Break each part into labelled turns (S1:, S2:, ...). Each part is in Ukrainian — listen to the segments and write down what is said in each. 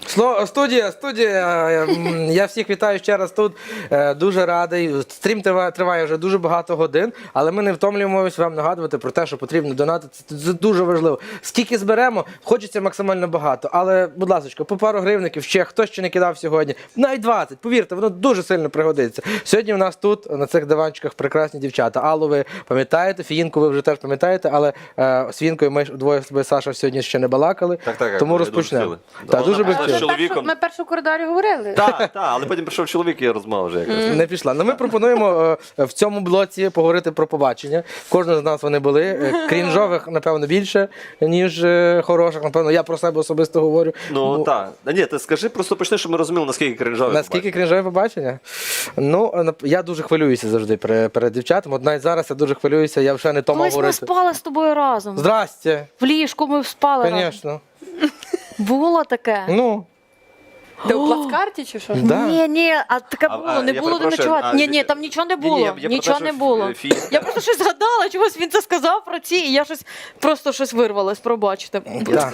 S1: Студія. Я всіх вітаю ще раз тут. Дуже радий. Стрім триває вже дуже багато годин, але ми не втомлюємося вам нагадувати про те, що потрібно донатити. Це дуже важливо. Скільки зберемо, хочеться максимально багато. Але, будь ласка, по пару гривників ще, хто ще не кидав сьогодні, навіть 20, повірте, воно дуже сильно пригодиться. Сьогодні у нас тут, на цих диванчиках, прекрасні дівчата. Аллу ви пам'ятаєте, Фіїнку ви вже теж пам'ятаєте, але з Фіїнкою ми двоє з Саша сьогодні ще не балакали, тому розпочнемо. Так, дуже би хотіли.
S2: Ми першу в коридорі говорили.
S3: Так, але потім прийшов чоловік і розмова вже якась.
S1: Не пішла. Ну, ми пропонуємо в цьому блоці поговорити про побачення. Кожного з нас вони були. Крінжових, напевно, більше, ніж хороших. Напевно, я про себе особисто говорю.
S3: Ну, так. Ні, ти скажи, просто почни, щоб ми розуміли, наскільки крінжові.
S1: Наскільки крінжове побачення? Ну, я дуже хвилююся завжди перед дівчатами. От навіть зараз я дуже хвилююся, я вже не то мав
S2: Колись ми
S1: говорити.
S2: спали з тобою разом.
S1: Здрасте.
S2: В ліжку ми спали разом.
S1: Звісно.
S2: Було таке?
S1: Ну,
S4: Ти у плацкарті чи що?
S1: да.
S2: Ні, а таке було, не
S3: я
S2: було де
S3: перепрошую,
S2: ночувати.
S3: а-
S2: Ні, там нічого не
S3: Ні-ні,
S2: було,
S3: я про те,
S2: нічого
S3: що
S2: не було.
S3: Фі-
S2: Я просто щось згадала, чогось він це сказав про ці, і я просто щось вирвалось, пробачте.
S1: Да.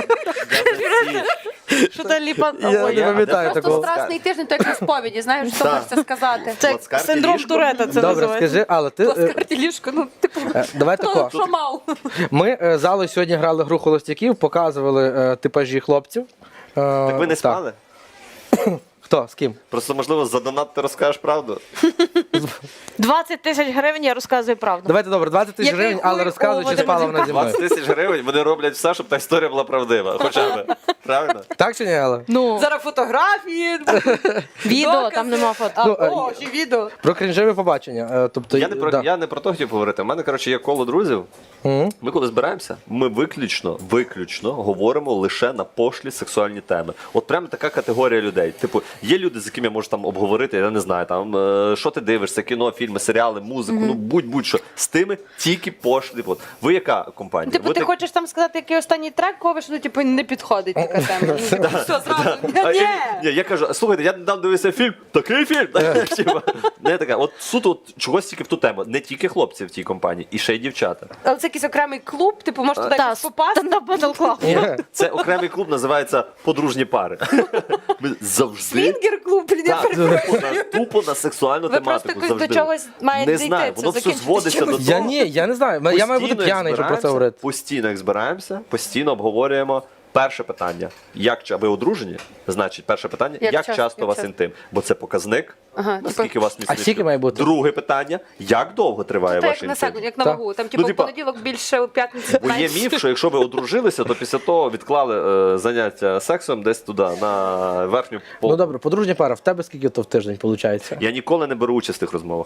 S2: Що та ліпа...
S1: Я
S2: Ой,
S1: не пам'ятаю
S4: Просто
S1: такого.
S4: страсний тиждень, то як на сповіді, знаєш, що
S3: Так.
S4: хочеться сказати.
S2: Це
S3: Плацкарті
S2: синдром
S3: ліжко?
S2: Туретта це
S1: Добре,
S2: називається.
S1: скажи, але ти...
S4: Плацкарті ліжко, ну, типу,
S1: Давай тако.
S4: що мав?
S1: Ми з Аллою сьогодні грали гру холостяків, показували типажі хлопців.
S3: Так ви не спали?
S1: Хто? З ким?
S3: Просто, можливо, за донат ти розкажеш правду?
S2: 20 тисяч гривень, я розказую правду.
S1: Давайте, добре, 20 тисяч
S2: Який
S1: гривень, але
S2: хуй
S1: розказуй,
S2: у
S1: чи спала вона зі мною.
S3: 20 тисяч гривень, вони роблять все, щоб та історія була правдива. Хоча б. Правильно?
S1: Так чи ні, Алла?
S2: Ну,
S4: Зараз фотографії,
S2: відео,
S4: докази.
S2: там нема фото.
S4: А,
S1: Ну,
S4: о, ще відео.
S1: Про крінжові побачення. Тобто,
S3: Я
S1: да.
S3: не про то хотів говорити. У мене, коротше, є коло друзів.
S1: Мгм.
S3: Ми коли збираємося, ми виключно говоримо лише на пошлі сексуальні теми. От прямо така категорія людей. Типу, є люди, з якими я можу там обговорити, я не знаю, там що ти дивишся, кіно, фільми, серіали, музику, ну будь-що. З тими тільки пошлі. От. Ви яка компанія?
S4: Типу,
S3: Ви
S4: ти
S3: так-
S4: хочеш там сказати, який останній трек ковиш, ну, типу, не підходить така тема. Ну, типу, все, зразу. Ні.
S3: Ні, я кажу, слухайте, я недавно дивився фільм, такий фільм. Типа, не така. От суто от, чогось тільки в ту тему. Не тільки хлопці в тій компанії, і ще й дівчата.
S4: Але це якийсь окремий клуб, типу, може туди
S2: Та,
S4: якось попасти.
S2: стендап батл клаб.
S3: Це окремий клуб, називається подружні пари. Ми завжди
S4: Свінгер-клуб, блін, я
S3: так, тупо на сексуальну
S4: Ви
S3: тематику.
S4: просто
S3: завжди.
S4: до чогось маєте
S3: Не
S4: дійти,
S3: знаю,
S4: це
S3: воно все
S4: закінчиться
S3: зводиться до
S4: чимось.
S3: того.
S1: Я не знаю. Я маю бути
S3: Постійно, як
S1: п'яний, щоб про це
S3: збираємося,
S1: говорити.
S3: Постійно, як збираємося, постійно обговорюємо. Перше питання, ви одружені? Значить, перше питання, як часто у вас інтим? Бо це показник,
S4: Ага,
S3: наскільки у вас
S1: А скільки має бути?
S3: Друге питання, як довго триває
S4: Це
S3: ваш
S4: як на
S3: інтим?
S4: секунду, як на
S1: Так.
S4: вагу. Там, типу, в
S3: типа-
S4: понеділок більше, у п'ятницю
S3: Бо є
S4: менше.
S3: міф, що якщо ви одружилися, то після того відклали заняття сексом десь туди, на верхню
S1: Ну
S3: полку.
S1: добре, подружня пара, в тебе скільки то в тиждень виходить?
S3: Я ніколи не беру участь в тих розмовах.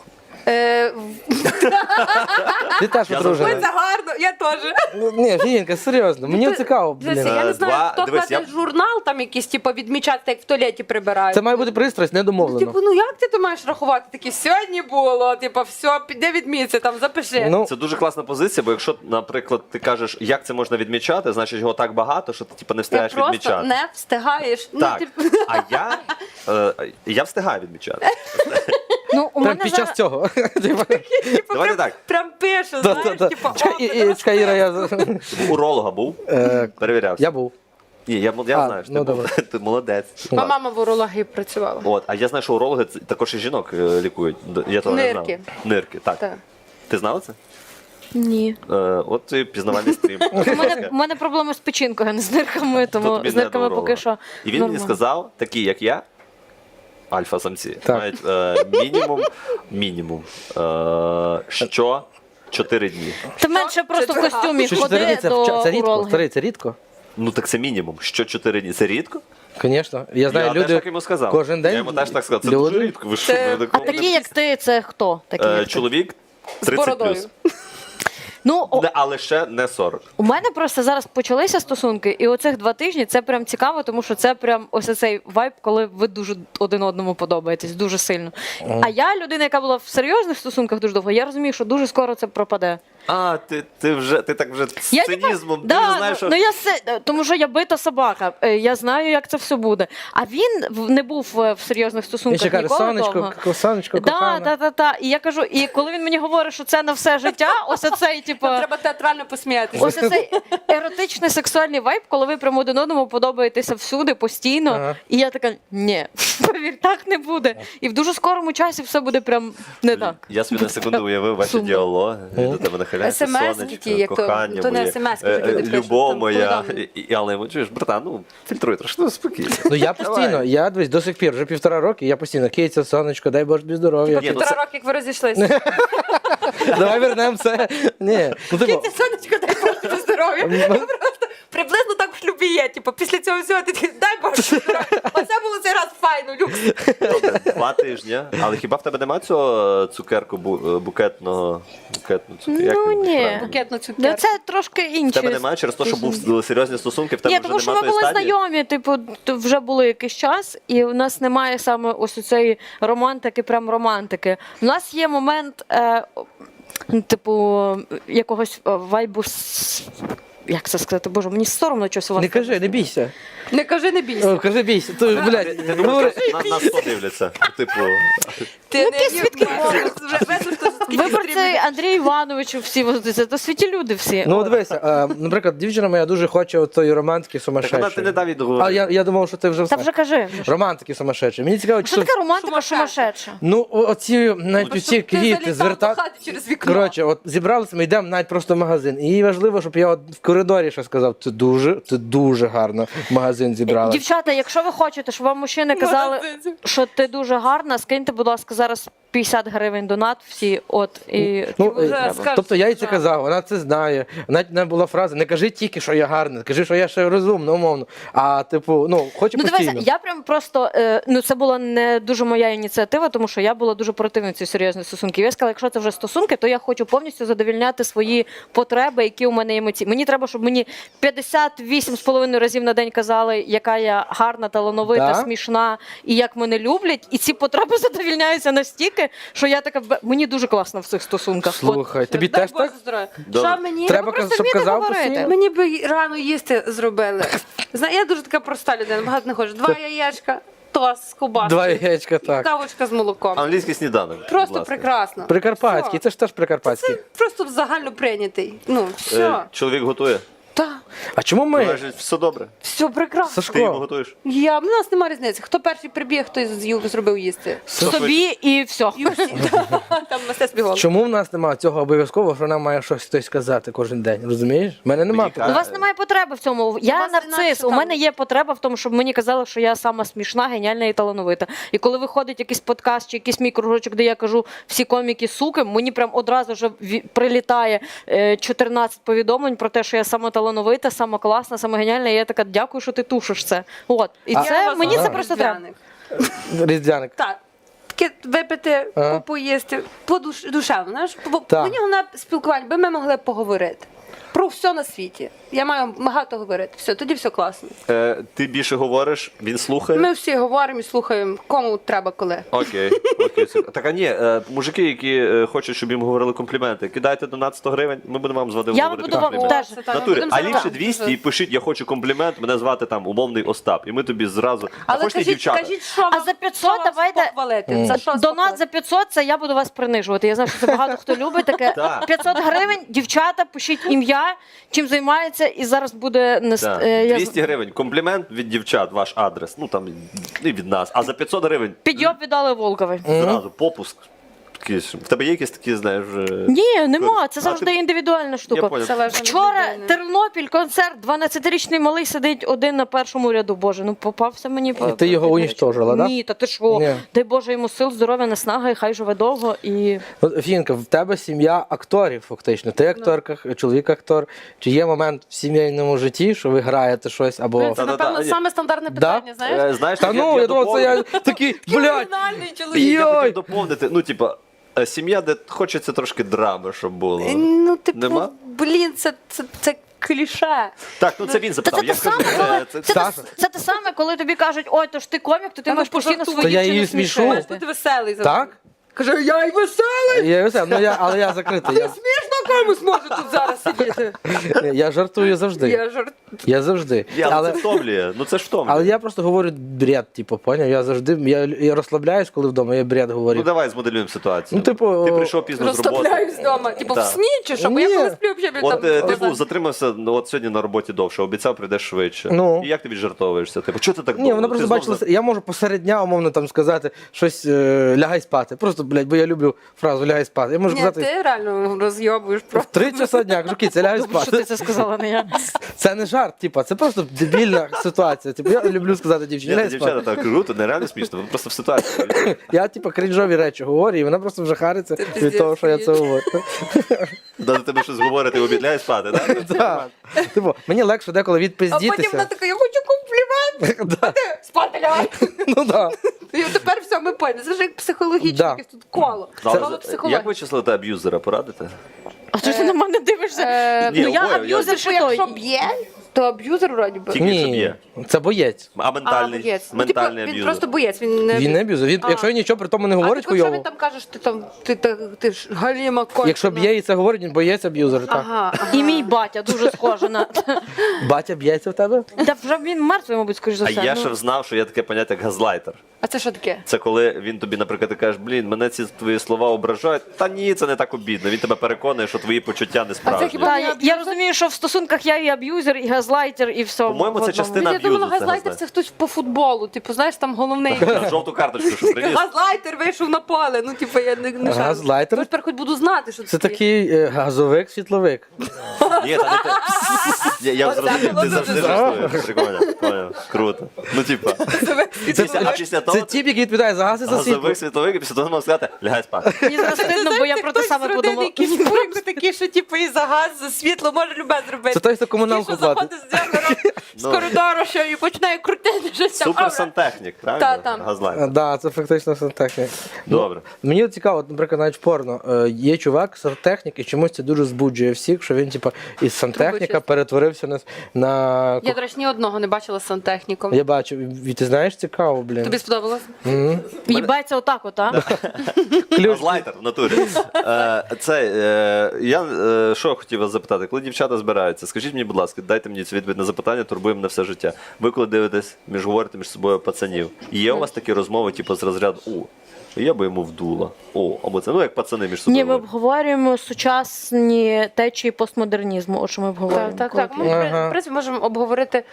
S1: Ти теж
S3: Я
S1: одружена?
S4: Ой, це гарно, я теж.
S1: Ну, ні, Фіїнка, серйозно, мені цікаво,
S4: Дивися,
S1: блін.
S4: я не знаю,
S3: Два-
S4: хто
S3: дивись,
S4: кладе
S3: я-
S4: журнал там якийсь, типу, відмічати, як в туалеті прибирають.
S1: Це має бути пристрасть, не домовлено.
S4: Типу, ну як ти то маєш рахувати? Такі, сьогодні було, типу, все, піде відміться, там, запиши.
S1: Ну,
S3: Це дуже класна позиція, бо якщо, наприклад, ти кажеш, як це можна відмічати, значить його так багато, що ти типу, не
S4: ти
S3: встигаєш
S4: просто
S3: відмічати.
S4: не встигаєш.
S3: Так,
S4: Ну, типу,
S3: а я встигаю відмічати.
S2: Ну, у
S1: прям
S2: мене
S1: під
S2: зараз...
S1: час цього.
S4: типу,
S3: Давайте
S4: прям,
S3: так.
S4: прям пише,
S1: Да,
S4: знаєш,
S1: да, да.
S4: типу,
S1: Чекай, Іра, я...
S3: Уролога був, перевірявся.
S1: Я був.
S3: Ні, я знаю, що
S1: ну,
S3: ти був.
S1: добре.
S3: Ти молодець.
S4: Моя мама в урології працювала.
S3: От, а я знаю, що урологи також і жінок лікують. Я того не знав.
S4: Нирки.
S3: Нирки, так.
S4: Так.
S3: Ти знала це?
S2: Ні.
S3: От і пізнавальний стрім.
S2: У мене проблеми з печінкою, а не з нирками,
S3: То
S2: тому
S3: тобі
S2: з
S3: не
S2: нирками
S3: до
S2: поки
S3: уролога.
S2: що
S3: І він мені
S2: нормально.
S3: сказав, такі як я, альфа-самці,
S1: Так.
S3: мають мінімум, що 4 дні.
S2: Ти менше просто в костюмі
S1: Що 4 дні
S2: ходи до
S1: це рідко?
S2: уролога.
S1: Старий, це рідко?
S3: Ну так це мінімум. Що 4 дні? Це рідко?
S1: Звісно. Я знаю,
S3: Я
S1: люди
S3: теж так йому сказав.
S1: кожен день.
S3: Я йому теж так сказав. Це
S1: люди-
S3: дуже рідко. Ви що?
S4: Це-
S3: ви
S2: А
S3: такого
S2: такі,
S3: не-
S2: як ти, це хто? Такі, як ти?
S3: Чоловік
S4: З
S3: 30
S4: бородою.
S3: плюс.
S2: Ну,
S3: Але ще не 40.
S2: у мене просто зараз почалися стосунки, і оцих 2 тижні це прям цікаво, тому що це прям ось цей вайб, коли ви дуже один одному подобаєтесь, дуже сильно. А я людина, яка була в серйозних стосунках дуже довго, я розумію, що дуже скоро це пропаде.
S3: Ти так вже з
S2: Я,
S3: цинізмом, ти
S2: да,
S3: вже знаєш, що...
S2: тому що я бита собака, я знаю, як це все буде. А він не був в серйозних
S1: Він
S2: стосунках
S1: ще каже,
S2: ніколи довго.
S1: сонечко, кохана.
S2: Да. І я кажу, і коли він мені говорить, що це на все життя, ось цей, типу,
S4: Нам треба театрально посміятися.
S2: ось цей еротичний сексуальний вайб, коли ви прямо один одному подобаєтеся всюди, постійно.
S1: Ага.
S2: І я така, ні, повір, так не буде. І в дуже скорому часі все буде прям не так.
S3: Я собі на секунду уявив ваші
S2: Сумно.
S3: діалоги. До тебе нахиляється
S4: SMS-ки ті, як то-
S3: кохання
S4: то не
S3: моє,
S4: SMS-ки, вже люди пишуть,
S3: любов
S4: там,
S3: моя.
S4: повідомлення.
S3: Але йому, чуєш, братан, ну, фільтруй трошки, ну, спокійно.
S1: Ну я постійно, я дивись, до сих пір, вже 1,5 роки, я постійно, Киця, сонечко, дай Боже тобі здоров'я.
S3: Ні, ну,
S4: Півтора роки, як ви розійшлися.
S1: Давай вернемося. Ні, ну типу,
S4: Кіті, сонечко, дай Боже тобі здоров'я. Просто приблизно так в шлюбі є. Типу, після цього всього ти такий, дай Боже тобі здоров'я. Оце було цей раз файно, люкс.
S3: добре, 2 тижні. Але хіба в тебе немає цього цукерку букетну цукерку?
S2: Ну, ні.
S4: Букетну
S2: Ну,
S4: цукерку.
S2: це трошки
S3: В
S2: інші.
S3: тебе немає через те, що були серйозні стосунки, в тебе
S2: Ні,
S3: вже
S2: тому що ми
S3: немає
S2: були
S3: тої стадії?
S2: знайомі, типу, вже були якийсь час, і у нас немає саме ось цієї романтики, прям романтики. У нас є момент, типу, якогось вайбу. Як це сказати? Боже, мені соромно щось у вас.
S1: не кажи, не бійся.
S4: Не кажи, не бійся.
S1: О, кажи бійся. То, блядь,
S3: Ти думаєш, що нас 100 дивляться? Типу,
S4: Ти не
S2: які свідки?
S4: вже весь
S2: Виборці Андрія Івановичу всі возиться, то світі люди всі.
S1: ну дивися, наприклад, дівчина моя дуже хоче тої романтики
S3: так вона ти
S1: сумасшедшої.
S3: не дав
S1: А
S3: відговорити.
S1: я думав, що ти вже
S2: Та
S1: все.
S2: вже кажи.
S1: Романтики сумасшедшої. Мені цікаво,
S2: Що
S1: чи
S2: таке романтика
S4: Сумасшедша.
S2: сумасшедша?
S1: ну оці навіть оці квіти звертати.
S4: через вікно.
S1: Коротше, от зібралися, ми йдемо навіть просто в магазин. І їй важливо, щоб я от в коридорі ще сказав, це дуже гарно магазин зібрала.
S2: Дівчата, якщо ви хочете, щоб вам мужчини казали, що ти дуже гарна, скиньте, будь ласка, зараз 50 гривень донат всі, от, і
S1: Ну,
S4: вже
S1: треба.
S4: скажеш,
S1: Тобто я їй це
S4: що
S1: казав, вона це знає. Навіть не була фраза, не кажи тільки, що я гарна, кажи, що я ще розумна, умовно. А типу, ну, хоче
S2: Ну,
S1: постійно.
S2: дивися, я прям просто, ну це була не дуже моя ініціатива, тому що я була дуже противницею серйозних стосунків. Я сказала, якщо це вже стосунки, то я хочу повністю задовільняти свої потреби, які у мене емоційні. Мені треба, щоб мені 58,5 разів на день казали, яка я гарна, талановита,
S1: Да?
S2: смішна і як мене люблять. І ці потреби задовільняються настільки, що я така, мені дуже класно в цих стосунках. От.
S1: Слухай, тобі
S4: Дай
S1: теж
S4: Боже
S1: так?
S4: здоров'я.
S3: Добре.
S4: Що мені?
S1: Треба,
S2: просто
S1: щоб
S2: вміти
S1: казав
S2: говорити.
S1: постійно?
S4: Мені би рано їсти зробили. Я дуже така проста людина, багато не ходжу. 2 яєчка, тост з ковбаскою.
S1: 2 яєчка,
S4: І
S1: так.
S4: кавочка з молоком.
S3: Англійський сніданок. будь
S4: Просто
S3: ласка.
S4: прекрасно.
S1: Прикарпатський, це ж теж прикарпатський.
S4: Це просто загально прийнятий. Ну, все.
S3: Чоловік готує?
S4: Так,
S1: А чому ми,
S3: Кажуть, все добре.
S4: все прекрасно.
S3: Ти йому
S1: Сашко,
S3: готуєш?
S4: У нас немає різниці. Хто перший прибіг, хто зробив їсти.
S2: Собі і все.
S4: І всі. Там мистецтві голос.
S1: чому в нас немає цього обов'язково, що нам має щось хтось сказати кожен день, розумієш? В мене немає.
S3: Мені
S2: У вас немає потреби в цьому. Я
S4: вас
S2: нарцис.
S4: інакше
S2: У
S4: там.
S2: мене є потреба в тому, щоб мені казали, що я сама смішна, геніальна і талановита. І коли виходить якийсь подкаст чи якийсь мій кружочок, де я кажу всі коміки суки, мені прям одразу вже прилітає 14 повідомлень про те, що я сама талановита, сама класна, сама геніальна. І я така, дякую, що ти тушиш це. От. І
S1: А-
S2: це мені це
S1: Ага.
S2: просто треба.
S1: Різдвяник.
S4: Так. Таке випити,
S1: Ага.
S4: поїсти, душевно. Знаєш,
S1: Так.
S4: мені головне спілкування, би ми могли поговорити. Про все на світі. Я маю багато говорити. Все, тоді все класно.
S3: Ти більше говориш, він слухає?
S4: Ми всі говоримо і слухаємо, кому треба коли.
S3: Окей. Так, а ні, мужики, які хочуть, щоб їм говорили компліменти, кидайте донат 100 гривень, ми будемо вам з Вадимом
S2: Я
S3: говорити
S2: буду вам
S3: компліменти.
S2: теж.
S4: Це так, ми
S3: Натурі,
S4: будемо
S3: а
S4: зараз-
S3: ліпше 200 і пишіть, я хочу комплімент, мене звати там умовний Остап. І ми тобі зразу. А
S4: Але
S3: хочете дівчата?
S4: кажіть, що
S2: А
S4: вам,
S2: за 500
S4: що вас
S2: давайте-
S4: похвалити. За що вас
S2: Донат
S4: похвалити?
S2: за 500 – це я буду вас принижувати. Я знаю, що це багато хто любить таке.
S3: Так.
S2: 500 гривень, дівчата, пишіть ім'я, чим займається, і зараз буде
S3: Так. 200 гривень, комплімент від дівчат, ваш адрес, ну там і від нас. А за 500 гривень
S2: Підйоб віддали Волкові.
S3: зразу попуск. В тебе є якісь такі, знаєш,
S2: Ні, нема. Це
S3: А,
S2: завжди
S3: ти-
S2: індивідуальна штука.
S3: Я понял.
S4: Залежно від
S2: Вчора
S4: людини.
S2: Тернопіль, концерт, 12-річний малий сидить один на першому ряду. Боже, ну попався мені.
S1: І ти його унічтожила, да?
S2: Ні, та ти що?
S1: Ні.
S2: Дай Боже йому сил, здоров'я, наснаги, і хай живе довго. І
S1: От, Фінка, в тебе сім'я акторів, фактично. Ти акторка, чоловік актор. Чи є момент в сімейному житті, що ви граєте щось або.
S4: Це,
S3: Та-та-та.
S4: напевно,
S3: Ні.
S4: саме стандартне
S1: Да?
S4: питання, знаєш?
S3: знаєш,
S1: Та ну, я думав, це я такий, блядь,
S4: Кримінальний чоловік.
S3: Я
S1: Йой!
S3: хотів доповнити, ну, типа, сім'я, де хочеться трошки драми, щоб було.
S4: Ну, типу,
S3: Нема?
S4: блін, це кліше.
S3: Так, ну це він
S2: Та
S3: запитав.
S2: це
S3: Я
S2: те
S3: скажу,
S2: саме, коли
S3: це
S1: Саша.
S2: це те саме, коли тобі кажуть, ой, то ж ти комік, то ти
S4: Та
S2: маєш
S4: ну,
S2: постійно
S4: пожартуй.
S2: свої
S1: То я
S2: чи
S1: її
S2: не
S1: смішу.
S2: смішити.
S4: Маєш бути веселий завжди.
S1: Так?
S4: Каже, я й веселий!
S1: Я веселий, але я закритий.
S4: Смішно комусь може тут зараз сидіти.
S1: Я жартую завжди.
S4: Я жарт.
S1: Я завжди.
S3: Але це втомлює. Ну це ж втомлює.
S1: Але я просто говорю бред, типу, поняв? Я завжди я розслабляюсь, коли вдома, я бред говорю.
S3: Ну давай змоделюємо ситуацію.
S1: Ну, типу,
S3: ти прийшов пізно з роботи.
S4: Розслабляюсь вдома. Типу, в
S3: Так.
S4: сні чи що? Бо
S1: Ні.
S4: я коли сплю, взагалі
S3: От
S4: там...
S3: ти був затримався от сьогодні на роботі довше, обіцяв, прийдеш швидше.
S1: Ну.
S3: І як ти віджартовуєшся? Типу, чого ти так
S1: Ні,
S3: довго?
S1: вона
S3: Ти
S1: просто
S3: знов
S1: бачила, я можу посеред дня, умовно, там сказати щось, лягай спати. Просто, блядь, бо я люблю фразу лягай спати. Я можу
S4: Ні,
S1: сказати,
S4: ти реально розйобуєш просто.
S1: 3 часа дня, кажу, кіця, лягай
S2: Добре, що ти
S1: спати.
S2: це сказала, не я.
S1: Це не жарт, типу, це просто дебільна ситуація. Типу, я люблю сказати дівчині,
S3: Ні,
S1: лягай
S3: дівчата
S1: спати.
S3: так круто, нереально смішно, ви просто в ситуації.
S1: Я, типу, крінжові речі говорю, і вона просто вже хариться від
S4: пиздець,
S1: того, що я це говорю.
S3: До тебе щось говорити, обідляє спати, так?
S1: Так. Типу, мені легше деколи
S4: А потім вона
S1: відпиздітися.
S4: така, я хочу комплімент.
S1: Да.
S4: Спати лягай.
S1: Ну так.
S4: І тепер все, ми поняли. Це ж як психологічне
S1: Да.
S4: якесь тут коло.
S3: Але
S4: Коло
S3: як
S4: психології.
S3: ви числите аб'юзера, порадите?
S2: А ти ж ти на мене дивишся?
S3: Ні,
S2: Ну я
S3: обоє,
S2: аб'юзер
S4: Що
S2: ще той.
S4: якщо б'є, то аб'юзер вроді би.
S3: Тільки якщо
S1: Ні,
S3: б'є.
S1: це боєць.
S3: А ментальний,
S4: боєць. Ну,
S3: ментальний
S4: типу, він
S3: аб'юзер.
S4: просто боєць. Він не
S1: Він не аб'юзер. Він,
S4: А.
S1: якщо він нічого при тому не говорить
S4: якщо він
S1: хуйово,
S4: там каже, що ти ж галіма кончена.
S1: якщо б'є і це говорить, він боєць аб'юзер. Так.
S4: Ага, ага.
S2: І мій батя дуже схожий на.
S1: Батя б'ється в тебе?
S2: Та вже він мертвий, мабуть, скоріш за
S3: А
S2: все.
S3: я
S2: ну.
S3: ще знав, що є таке поняття, як газлайтер.
S4: А це що таке?
S3: Це коли він тобі, наприклад, ти кажеш, блін, мене ці твої слова ображають. Та ні, це не так обідно. Він тебе переконує, що твої почуття не справжні.
S4: хіба-
S2: Та, я розумію, що в стосунках я і аб'юзер, і газлайтер, і все.
S3: По-моєму,
S2: в
S3: це
S2: одному.
S3: частина
S4: Я думала,
S3: аб'юзу, це
S4: газлайтер
S3: газлайтер.
S4: це хтось по футболу. Типу, знаєш, там головний.
S3: Жовту карточку, що приніс.
S4: Газлайтер вийшов на поле. Ну, типу, я не шарю.
S1: Газлайтер?
S4: Тепер хоч буду знати, що
S1: Це такий газовик-світловик.
S3: Ні, та не те. Я зрозумів,
S4: було
S3: ти
S4: дуже
S3: завжди жартуєш. Прикольно, поняв. Круто. Ну, типа, а після того
S1: Це тіп, який відповідає за газ і за світло.
S3: газовик світовик, і після того можна сказати, лягай спати.
S2: Мені зараз стидно, бо я про те саме подумала.
S4: Якісь курику такі, що типу і за газ, за світло може любе зробити.
S1: Це той, хто комуналку
S4: Такий, що
S1: платить.
S4: заходить з дзеркала, з коридору, що і починає крутити щось там.
S3: Супер сантехнік, правильно?
S4: Та, там.
S3: Газлайтер.
S1: Так, це фактично сантехнік.
S3: Добре.
S1: Мені цікаво, от, наприклад, навіть в порно. Є чувак, сантехнік, і чомусь це дуже збуджує всіх, що він, типу, із сантехніка
S4: Трубочист.
S1: перетворився на...
S4: Я, до речі, ні одного не бачила з сантехніком.
S1: Я бачу, і ти знаєш, цікаво, блін.
S4: Тобі сподобалось?
S2: Їбається отак, от, а?
S3: Газлайтер в натурі. Я що хотів вас запитати, коли дівчата збираються, скажіть мені, будь ласка, дайте мені цю відповідь на запитання, турбуємо на все життя. Ви коли дивитесь, говорите між собою пацанів, є у вас такі розмови, типу, з розряду я би йому вдула. Або це, як пацани між собою.
S2: Ні, ми
S3: говорять.
S2: обговорюємо сучасні течії постмодернізму. От що ми обговорюємо.
S4: Так.
S2: коли
S4: Ми, в принципі, можемо обговорити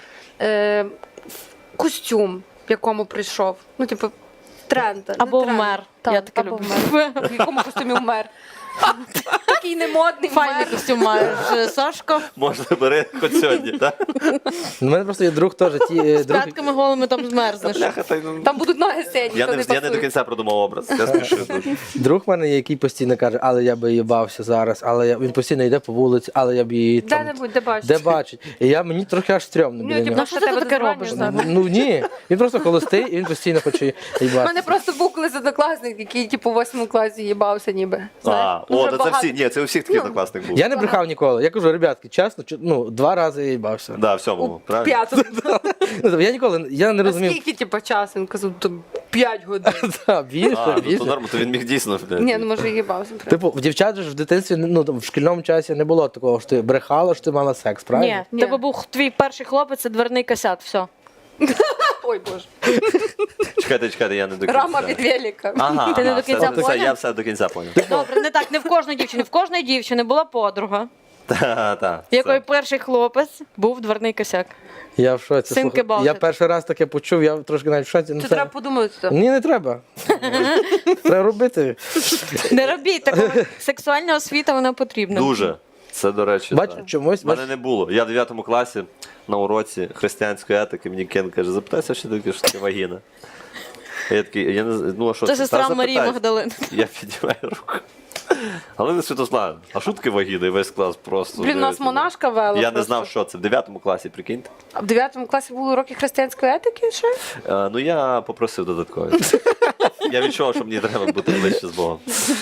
S4: костюм, в якому прийшов. Ну, типу, тренд. не
S2: Або
S4: тренд.
S2: вмер.
S4: Так,
S2: Я таке
S4: або
S2: люблю.
S4: вмер. В якому костюмі вмер. Такий немодний
S2: Файний
S4: вмер.
S2: костюм маєш, Сашко.
S3: Можна бери хоч сьогодні, так?
S1: У мене просто є друг теж.
S2: З п'ятками голими там змерзнеш.
S3: Бляха,
S4: Там будуть ноги сині,
S3: Я
S4: то
S3: не
S4: пасує.
S3: до кінця продумав образ. Я спішу.
S1: Друг в мене є, який постійно каже, але я би їбався зараз, він постійно йде по вулиці, але я б її там...
S4: Де-небудь, де бачиш.
S1: Де бачить. І мені трохи аж стрьомно біля
S4: Ну, типу,
S1: нього.
S2: що ти
S4: тебе
S2: таке
S4: дозвання
S2: робиш,
S4: знати.
S2: Саша?
S1: Ну ні, він просто холостий, і він постійно хоче
S4: У
S1: їбатися.
S4: мене просто був колись однокласник, який типу в 8 класі їбався ніби. Знаєш? Дуже
S3: Це
S4: багато.
S3: всі, ні, це у всіх такий однокласник був.
S1: Я не брехав ніколи. Я кажу, ребятки, чесно, 2 рази я їбався.
S3: Да, в сьомому, правильно?
S4: П'ятому.
S1: Я не розумів.
S4: Скільки типу часу? Він казав, то 5 годин.
S1: Та, більше,
S3: То
S1: більше.
S3: норма, то він міг дійсно.
S4: Ні, ну може і їбався.
S1: Типу, в дівчат же ж в дитинстві, там, в шкільному часі не було такого, що ти брехала, що ти мала секс, правильно?
S2: Ні,
S4: Ні.
S2: тебе був твій перший хлопець, це дверний косяк, все.
S4: Ой, Боже.
S3: Чекайте, я не до кінця.
S4: Рама від велика.
S3: Ага,
S2: Ти не до кінця
S3: все,
S2: поняв?
S3: я все до кінця поняв.
S2: Добре, не так, не в кожної дівчини. В кожної дівчини була подруга,
S3: Так.
S2: в якої перший хлопець був дверний косяк.
S1: Я в шоці.
S2: Симки
S1: слухай.
S2: бавити.
S1: Я перший раз таке почув, я трошки навіть в шоці.
S4: Це треба подумати.
S1: Ні, не треба. Треба робити.
S2: Не робіть такого. Сексуальна освіта, вона потрібна.
S3: Дуже. Це, до речі,
S1: Бач,
S3: так.
S1: чомусь,
S3: В мене не було. Я в 9 класі на уроці християнської етики, мені Кен каже, запитайся, що таке вагіна. А я такий, я не знаю, ну а що
S2: Це
S3: Та
S2: сестра Марії
S3: запитайся.
S2: Магдалини.
S3: Я піднімаю руку. Галина Святославівна, а що таке вагіна? І весь клас просто.
S4: Блін, у нас
S3: дивиться.
S4: монашка вела.
S3: Я не
S4: просто.
S3: знав, що це. В 9 класі, прикиньте.
S4: А в 9 класі були уроки християнської етики ще?
S3: Ну я попросив додаткові. Я відчував, що мені треба бути ближче з Богом.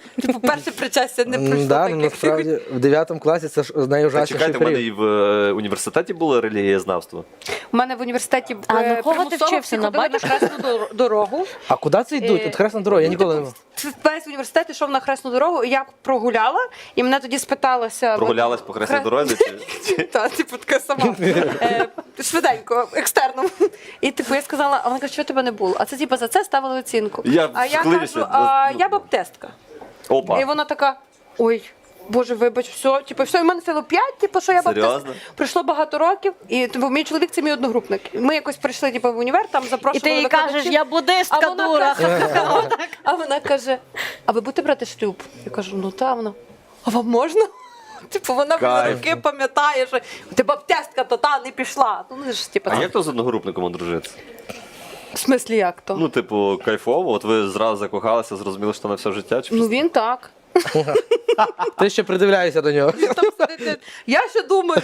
S4: Типу, перше причастя не пройшло
S1: Да,
S4: так,
S1: ну,
S4: як
S1: насправді в 9 класі це ж
S3: Та
S1: найужасніший
S3: чекайте, в мене
S1: період.
S3: і в університеті було релігієзнавство.
S4: У мене в університеті
S2: А на кого ти
S4: примусово
S2: вчився?
S4: всі
S2: На
S4: ходили на
S2: батюшку?
S4: хресну дорогу.
S1: А куди це йдуть? От хресна дорога, я ніколи не мав.
S4: Весь університет йшов на хресну дорогу, і я прогуляла, і мене тоді спиталася...
S3: Прогулялась по хресній дорозі? Чи?
S4: Та, типу, така сама. Швиденько, екстерном. І типу я сказала, а вона каже, що тебе не було? А це типу за це ставили оцінку. А я
S3: вклинюся.
S4: кажу, я баптистка. І
S3: Опа.
S4: вона така, ой, Боже, вибач, все, типу, все, і в мене стало 5, типу, що я
S3: Серйозно?
S4: баптистка. Пройшло багато років, і типу, мій чоловік це мій одногрупник. Ми якось прийшли типу, в універ, там
S2: І
S4: запрошували
S2: ти їй кажеш,
S4: викладачів.
S2: я буддистка,
S4: А вона
S2: дура.
S4: А вона каже, а ви будете брати шлюб? Я кажу, ну та вона. А вам можна? Типу, вона в
S3: Кайф.
S4: роки пам'ятає, що ти баптистка, то та не пішла. Ну, ж, типу,
S3: А як то з одногрупником одружитися?
S4: в смислі як то?
S3: Ну, типу, кайфово, от ви зразу закохалися, зрозуміли, що на все життя? Чи
S4: Ну він так.
S1: Ти ще придивляєшся до нього.
S4: Там сидить, я ще думаю.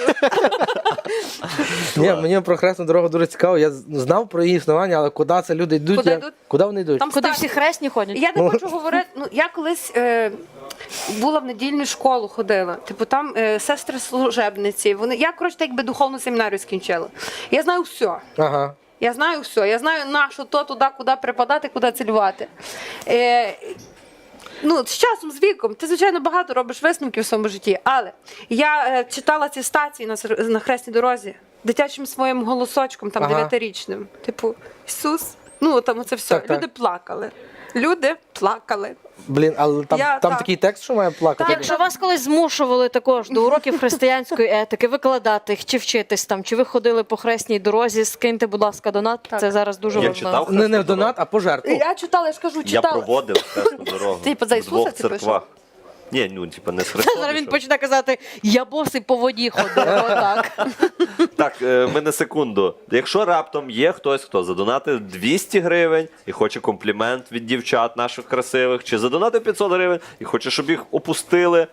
S1: Ні, мені про хресну дорогу дуже цікаво. Я знав про її існування, але куди це люди йдуть?
S4: Куди йдуть?
S1: Куди вони йдуть?
S4: Там
S2: Куди
S4: старші.
S2: всі хресні ходять?
S4: Я не хочу говорити. Ну я колись була в недільну школу, ходила. Типу там сестри служебниці. Я коротше так якби духовну семінарію скінчила. Я знаю все.
S1: Ага.
S4: Я знаю все. Я знаю на що то туди, куди припадати, куди цілювати. Ну, з часом, з віком, ти, звичайно, багато робиш висновків в своєму житті, але я читала ці стації на хресній дорозі дитячим своїм голосочком, там,
S1: Ага.
S4: 9-річним. Типу, Ісус, ну, там це все.
S1: Так, так.
S4: Люди плакали. Люди плакали.
S1: Блін, але там,
S4: Я-
S1: там
S4: так.
S1: такий текст, що має плакати.
S2: Якщо вас колись змушували також до уроків християнської етики викладати їх чи вчитись там, чи ви ходили по хресній дорозі, скиньте, будь ласка, донат.
S4: Так.
S2: Це зараз дуже
S3: Я
S2: важливо.
S3: читав
S1: Не
S3: хресну
S1: в донат,
S3: дорогу?
S1: а пожертву.
S4: Я читала, я ж кажу,
S3: Я
S4: читала.
S3: проводив хресну дорогу.
S4: Типу, за
S3: в
S4: Ісуса
S3: двох
S4: це
S3: церквах. Ні, ну, типу, не з Христом.
S2: Зараз він
S3: ішов.
S2: почне казати, я босий по воді ходив. Отак.
S3: Так, ми на секунду. Якщо раптом є хтось, хто задонатив 200 гривень і хоче комплімент від дівчат наших красивих, чи задонатив 500 гривень і хоче, щоб їх опустили,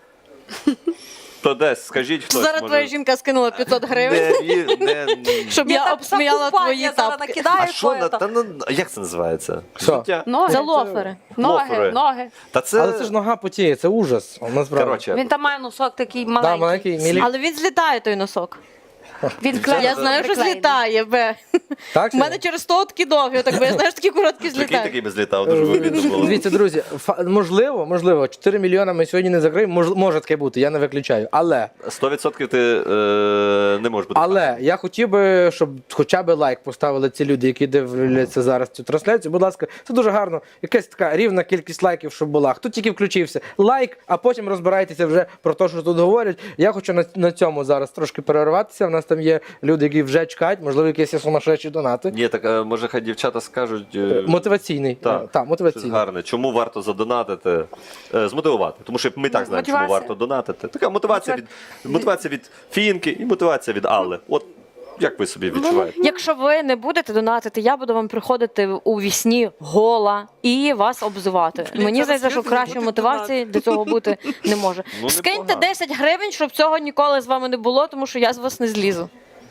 S3: то десь скажіть хтось.
S2: Зараз твоя жінка скинула 500 гривень, щоб
S4: Ні,
S2: я
S4: так,
S2: обсміяла
S4: закупай,
S2: твої
S4: я зараз
S2: тапки.
S4: накидаю
S3: А що на
S4: твоє,
S3: як це називається?
S1: Що?
S3: Життя?
S4: Ноги.
S2: За лофери.
S3: Лофери.
S4: Ноги.
S3: Та це,
S1: Але це ж нога потіє, це ужас. Насправді.
S3: коротше,
S4: Він там має носок такий
S1: Да,
S4: маленький.
S1: маленький мілі...
S2: Але він злітає той носок.
S4: Він клеєний.
S2: Я знаю, що
S4: приклеєний.
S2: злітає. Бе.
S1: Так,
S2: У мене через то такі довгі, отак, бо я знаю, що такі короткі
S3: прикинь,
S2: злітають.
S3: такий би злітав, дуже вигідно було.
S1: Дивіться, друзі, можливо, 4 мільйони ми сьогодні не закриємо. Може таке бути, я не виключаю. Але
S3: 100% ти не можеш бути.
S1: Але я хотів би, щоб хоча б лайк поставили ці люди, які дивляться зараз цю трансляцію. Будь ласка, це дуже гарно. Якась така рівна кількість лайків, щоб була. Хто тільки включився, лайк, а потім розбирайтеся вже про те, що тут говорять. Я хочу на цьому зараз трошки перерватися. У нас там є люди, які вже чекають, можливо, якісь є сумасшедші донати.
S3: Ні, так може хай дівчата скажуть.
S1: Мотиваційний.
S3: Так,
S1: Так,
S3: щось
S1: мотиваційний.
S3: гарне. Чому варто задонатити? Змотивувати. Тому що ми так знаємо, чому
S4: Мотивація.
S3: варто донатити. Така мотивація від Фінки і мотивація від Алли. От як ви собі відчуваєте?
S2: Якщо ви не будете донатити, я буду вам приходити у вісні гола і вас обзивати. Мені
S4: зараз
S2: здається, що
S4: люди
S2: кращої
S4: будуть
S2: мотивації для цього бути не може.
S3: Ну,
S2: Скиньте
S3: непогано.
S2: 10 гривень, щоб цього ніколи з вами не було, тому що я з вас не злізу.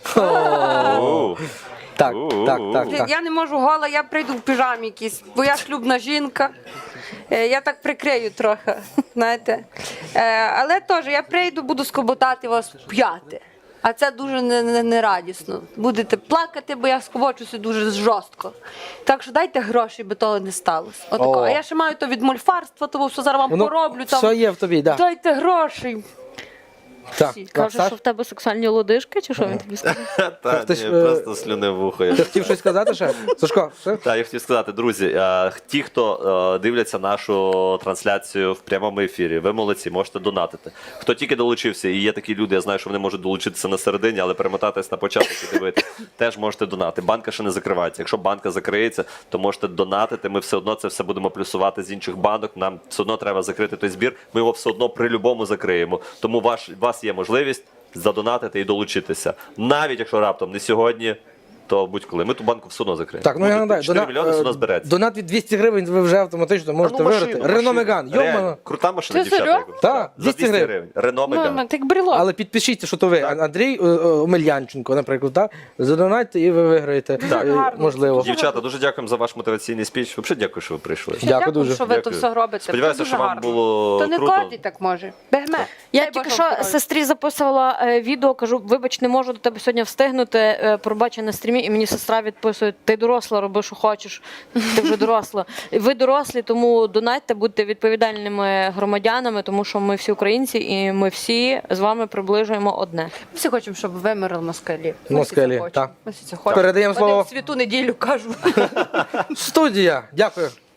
S3: Оу.
S1: Так, так, так,
S4: Блін,
S1: так.
S4: Я не можу гола, я прийду в піжамі якійсь, бо я шлюбна жінка. Я так прикрию трохи, знаєте. Але теж я прийду, буду скоботати вас п'яти. А це дуже нерадісно. Будете плакати, бо я скобочуся дуже жорстко. Так що дайте гроші, бо того не сталося. Отако.
S1: О.
S4: А я ще маю то від мольфарства, того все зараз вам
S1: Воно
S4: пороблю. Там.
S1: все є в тобі, так.
S4: Дайте гроші.
S1: Так,
S2: Каже,
S1: Саш,
S2: що в тебе сексуальні лодижки, чи що він тобі сказав?
S3: Та,
S1: ти ж,
S3: ні, просто слюни в ухо.
S1: ти хотів щось сказати ще? Сашко, все?
S3: Так, я хотів сказати, друзі, ті, хто дивляться нашу трансляцію в прямому ефірі, ви молодці, можете донатити. Хто тільки долучився, і є такі люди, я знаю, що вони можуть долучитися на середині, але перемотатись на початок і дивитися, теж можете донати. Банка ще не закривається. Якщо банка закриється, то можете донатити. Ми все одно це все будемо плюсувати з інших банок. Нам все одно треба закрити той збір. Ми його все одно при любому закриємо. Тому у вас є можливість задонатити і долучитися. Навіть якщо раптом не сьогодні, то будь-коли. Ми ту банку все одно закриємо.
S1: Так, ну я нагадаю,
S3: 4 мільйони все одно збереться.
S1: донат від 200 гривень ви вже автоматично можете виграти. Рено Меган, йомано.
S3: Крута машина,
S4: Ти
S3: дівчата.
S4: серйозно?
S1: Так,
S3: За
S1: 200
S3: 200
S1: гривень.
S3: гривень. Рено
S2: Ну,
S3: Меган.
S2: так брелок.
S1: Але підпишіться, що то ви, Андрій Омельянченко, наприклад, так? Задонатьте і ви виграєте.
S3: Так.
S4: Гарно.
S1: Можливо.
S3: Дівчата, дуже дякуємо за ваш мотиваційний спіч. Взагалі дякую, що ви прийшли.
S1: Дякую дуже.
S4: що ви
S3: Дякую.
S4: то все робите.
S3: Сподіваюся,
S4: Це дуже
S3: що вам
S4: гарно.
S3: було
S4: То не
S3: круто.
S4: кожен так може. Бегме.
S2: Я
S4: Дай
S2: тільки
S4: Боже
S2: що
S4: вам здоров'я.
S2: сестрі записувала відео, кажу, вибач, не можу до тебе сьогодні встигнути, пробачи на стрімі, і мені сестра відписує, ти доросла, роби, що хочеш, ти вже доросла. Ви дорослі, тому донатьте, будьте відповідальними громадянами, тому що ми всі українці, і ми всі з вами приближуємо одне.
S4: Ми всі хочемо, щоб вимерли москалі. Ми
S1: Москалі,
S4: всі це хочемо.
S1: так.
S4: Ми всі це хочемо.
S1: Передаємо
S4: Вони
S1: слово.
S4: в святу неділю кажуть.
S1: Студія. Дякую.